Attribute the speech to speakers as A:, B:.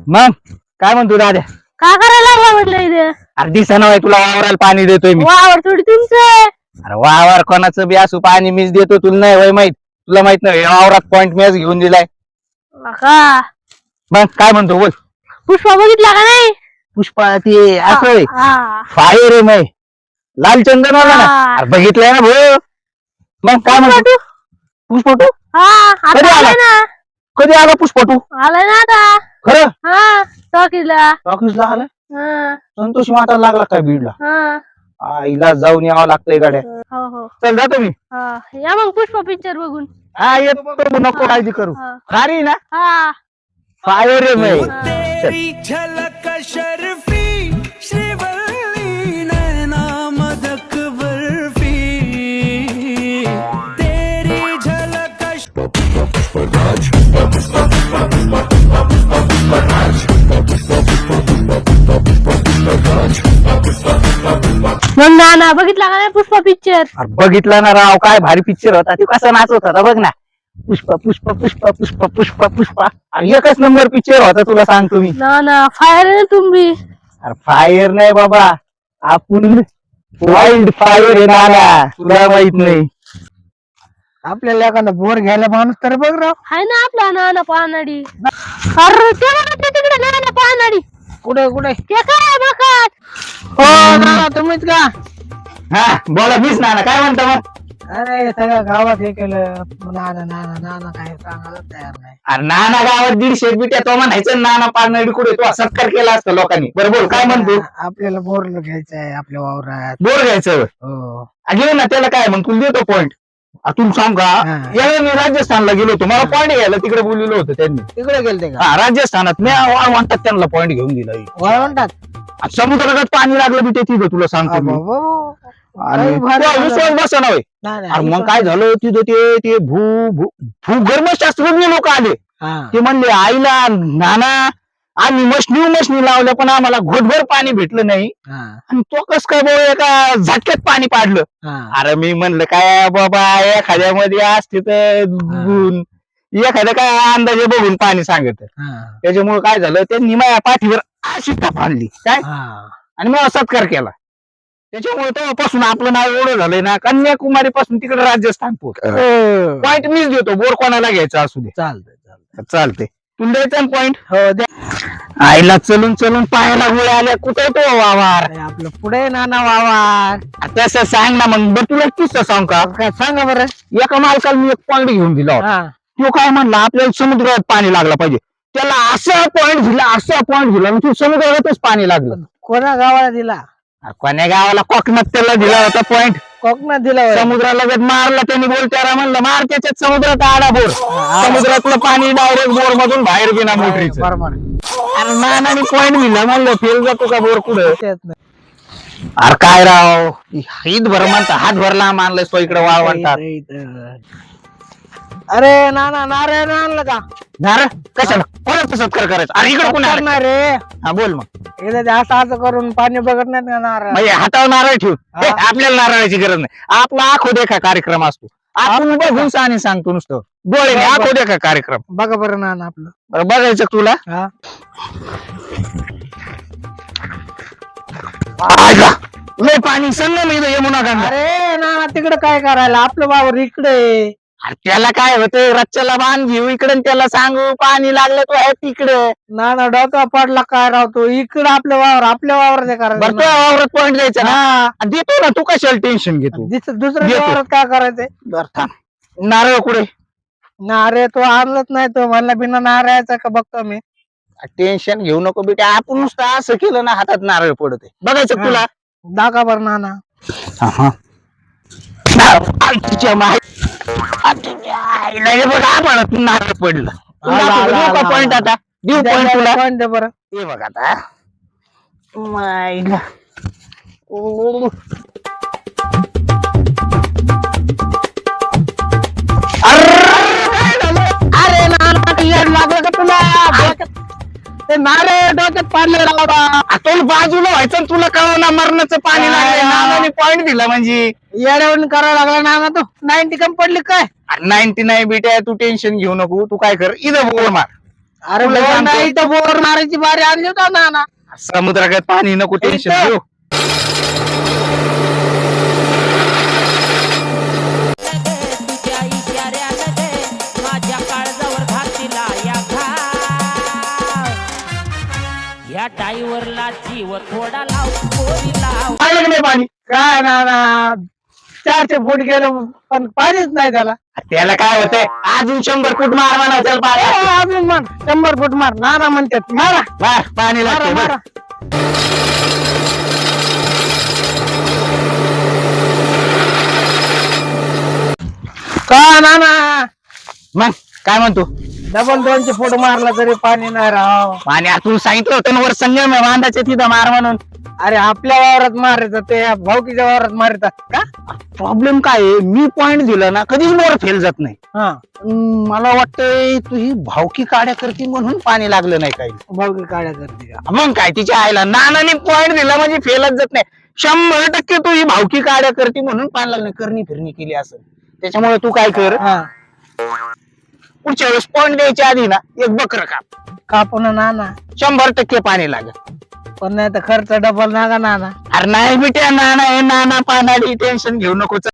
A: मग काय म्हणतो दाद्या?
B: का करायला लागला म्हटलं इथे?
A: अरे दिसाना बाई तुला वावराला पाणी देतोय मी.
B: वावर थोडी तुमचं.
A: अरे वावर कोणाचं बी असू पाणी मीच देतो, तुला नाही वय माहित? तुला माहित नाही वावरात पॉइंट मॅच घेऊन दिलाय.
B: का
A: मग काय म्हणतो बोल.
B: पुष्पा बघितला का नाही?
A: पुष्पा ते असं
B: हा.
A: फायर आहे मै लाल चंदन वाला ना.
B: हा.
A: अरे बघितलंय ना भाऊ. मग काय म्हणतो पुष्पटू?
B: हा
A: कधी
B: आता
A: आला?
B: आलाय ना.
A: कधी आला पुष्पटू?
B: आलाय ना आता.
A: खरं
B: हा टॉकीला.
A: ऑफिसला आला?
B: हा
A: संतोष वाटायला लागला काय बीडला?
B: हा.
A: आईला जाऊन यावं लागतंय गाड्या.
B: हो हो.
A: चल जातो मी.
B: हा या मग पुष्पा पिक्चर बघून.
A: हा येतो बघू, नको काळजी करू.
B: हा.
A: भारी ना
B: हा
A: फायर आहे मै.
C: तेरी झलक शर्फी श्रीवल्ली नैना मदक बर्फी तेरी झलक
B: मग नाना बघितला का नाही पुष्पा पिक्चर?
A: अरे बघितला ना राव, काय भारी पिक्चर होता. ते कसा नाचत होता बघ ना. पुष्पा पुष्पा पुष्पा पुष्पा पुष्पा पुष्पा. अरे एकच नंबर पिक्चर होता, तुला सांगतो मी.
B: नाना फायर आहे ना तुम्ही.
A: अरे फायर नाही बाबा, आपण वाईल्ड फायर आहे नाना, तुला माहित नाही.
D: आपल्याला एखादा बोर घ्यायला माणूस तर बघ राव.
B: हाय ना आपला नाना पानाडी. अरे ते बघा ते तिकडे नाना पानाडी.
D: कुठे कुठे?
B: ते काय बघत?
D: हो नाना तुम्हीच का?
A: हा बोला, मीच नाना. काय म्हणता मग?
D: अरे सगळ्या गावात हे केलं, नाना नाना नाना काय सांगायला तयार नाही.
A: अरे नाना गावात 150 बिट्या तो म्हणायचं, नाना पारनाडी कुठे तो सत्कार केला असता लोकांनी. बरोबर काय म्हणतो?
D: आपल्याला बोर घ्यायचं आहे आपल्या वावरात.
A: बोर घ्यायचं
D: हो
A: घेऊ ना, त्याला काय मग तुला देतो पॉईंट. तुला सांग का,
D: हा.
A: यावेळी मी राजस्थानला गेलो होतो, मला पॉईंट घ्यायला तिकडे बोललेलं होतं त्यांनी.
D: तिकडे गेलते का?
A: हा राजस्थानात मी म्हणतात त्यांना पॉईंट घेऊन दिला.
D: म्हणतात
A: समुद्रात पाणी लागलं बी ते तिथं, तुला सांगतो मी. आणि
D: काही भारी
A: तो विश्वास बसना होय. अरे मग काय झालं तिथं, ते भूगर्भशास्त्रज्ञ लोक आले. ते म्हणले आईला नाना आम्ही मशनी लावल्या पण आम्हाला घोटभर पाणी भेटलं नाही, आणि तो कस काय बाबा एका झटक्यात पाणी पाडलं. अरे मी म्हणलं काय बाबा, एखाद्यामध्ये असते तर गुण, एखाद्या काय अंदाजे बघून पाणी सांगत. त्याच्यामुळे काय झालं, त्यांनी माझ्या पाठीवर अशी टाप आणली काय, आणि मग सत्कार केला. त्याच्यामुळे तेव्हापासून आपलं नाव एवढं झालंय ना, कन्याकुमारी पासून तिकडे राजस्थान पॉईंट मीच देतो, बोर कोणाला घ्यायचा असू दे. चालते तुला द्यायचा पॉईंट.
D: हो द्या.
A: आईला चलून चलून पायाला गोळ्या आल्या, कुठे तो वावर
D: आपलं पुढे नाना वावर.
A: तसं सांग ना मग. बरं तुला किस्सा सांग का,
D: काय सांगा बरं.
A: एका मालकाला मी एक पॉईंट घेऊन दिला होता. तो काय म्हणला, आपल्याला समुद्रात पाणी लागलं पाहिजे. त्याला असा पॉईंट दिला आणि तो समुद्रातच पाणी लागलं.
D: कोणा गावाला दिला?
A: कोण्या गावाला? कोकणात त्याला दिला होता पॉईंट.
D: कोकणात दिला होय.
A: समुद्राला जर मारला त्यांनी, बोल त्याला म्हणलं मार त्याच्यात समुद्रात आडा बोर. समुद्रातलं पाणी डायरेक्ट बोर मधून बाहेर बिना मोटरीचं.
D: बरोबर.
A: अरे नानानी पॉईंट दिला, म्हणलं फेल जातो का बोर कुठं.
D: तेच नाही.
A: अरे काय राव, ईद भर म्हणता हात भरला मानलाय तो इकडे वाळ म्हणतात.
D: अरे नाना नारायण आणलं का?
A: नारळ कशाला, कोणाचा सत्कार करायचा? अरे इकडे कोण आलं?
D: रे
A: हा बोल मग.
D: एकदा ते असं करून पाणी बघत नाही का नारळ?
A: म्हणजे हातावर नारळ ठेवून आपल्याला नारळाची गरज नाही. आपला आखो देखा कार्यक्रम असतो. आपण बघून आणि सांगतो नुसतं डोळे आखो देखा कार्यक्रम.
D: बघा बरं नाना आपलं.
A: बरं बघायचं तुला.
D: हा
A: लय पाणी संगम इथं यमुना गंगा.
D: अरे नाना तिकडे काय करायला, आपलं वावर इकडे.
A: अरे त्याला काय होतं, रच्च्याला बांध घेऊ इकडे, त्याला सांगू पाणी लागलं तो आहे तिकडे.
D: नाना डोका पडला काय राहतो इकडे, आपलं वावर आपल्या वावरात
A: बरं
D: करायचं.
A: तो वावरात पॉईंट द्यायचा ना. आणि देतो ना, तू कशाला टेन्शन घेतो.
D: दुसऱ्या
A: देतो.
D: वावरात काय करायचंय?
A: बरं थांब, नारळ कुठे?
D: नारे तो आणलंच नाही, तो म्हणला बिना नारळाचा का बघतो मी.
A: टेन्शन घेऊ नको बेटा, आपण नुसतं असं केलं ना हातात नारळ पडते. बघायचं तुला.
D: दाखवा बरं नाना.
A: तिच्या बघा नारळ पडलं. पॉईंट आता देऊ पॉईंट तुला.
D: पॉईंट दे बरं.
A: हे बघ आता मायला.
D: अरे नाना येड लागलं का तुला? ते नारळ डोक्यात पाडले राव.
A: तो बाजूला व्हायचं आणि तुला कळवना मरणाचं पाणी लागलं. नानाने पॉईंट दिला म्हणजे
D: येड्यावरून करायला लागला नाना. तो 90 कम पडली काय?
A: 99 बेटा, तू टेन्शन घेऊ नको. तू काय कर, इथं बोर मार.
D: अरे
A: तुला
D: बोर
A: सांगतो.
D: नाही तर बोर मारायची बारी आणली होता नाना.
A: समुद्रात पाणी नको टेन्शन
D: इथं.
A: घेऊ.
E: तुझ्या इशाऱ्यानं दे माझ्या काळजावर घातीला या घाव या टाईवरला जीव थोडा लाव पोरी लाव
A: पाहिलं की नाही पाणी?
D: काय नाना 400 फूट गेलं पण पाणीच नाही त्याला.
A: त्याला काय होतंय अजून 100 फूट मार म्हणा त्याला पाणी.
D: अजून मार 100 फूट मार नाना म्हणतात मारा
A: मार, पाणी
D: मारा
A: लागते
D: मारा. का नाना
A: मग काय म्हणतो
D: डबल 200 फूट मारला तरी पाणी नाही राव.
A: पाणी आता तू सांगितलं होतं ना वर संगम आहे बांधाच्या तिथं मार म्हणून.
D: अरे आपल्या वावरात मारायचं ते भाऊकीच्या वावरात मारतात का?
A: प्रॉब्लेम काय आहे मी पॉइंट दिला ना कधीच बोर फेल जात नाही.
D: हा
A: मला वाटतंय तू ही भावकी काड्या करती म्हणून पाणी लागलं नाही काही.
D: भाऊकी काढ्या करते का?
A: मग काय तिच्या आईला नानाने पॉइंट दिला म्हणजे फेलच जात नाही. 100% तू ही भावकी काड्या करती म्हणून पाणी लागलं नाही. करणी फिरणी केली असं त्याच्यामुळे तू काय कर
D: हा
A: पुढच्या वेळेस पॉइंट द्यायच्या आधी ना एक बकर काप.
D: कापून नाना
A: 100% पाणी लागेल.
D: पण नाही तर खर्च डबल नागा नाना.
A: अरे नाही बिट्या नाना हे नाना पानाडी टेन्शन घेऊ नको.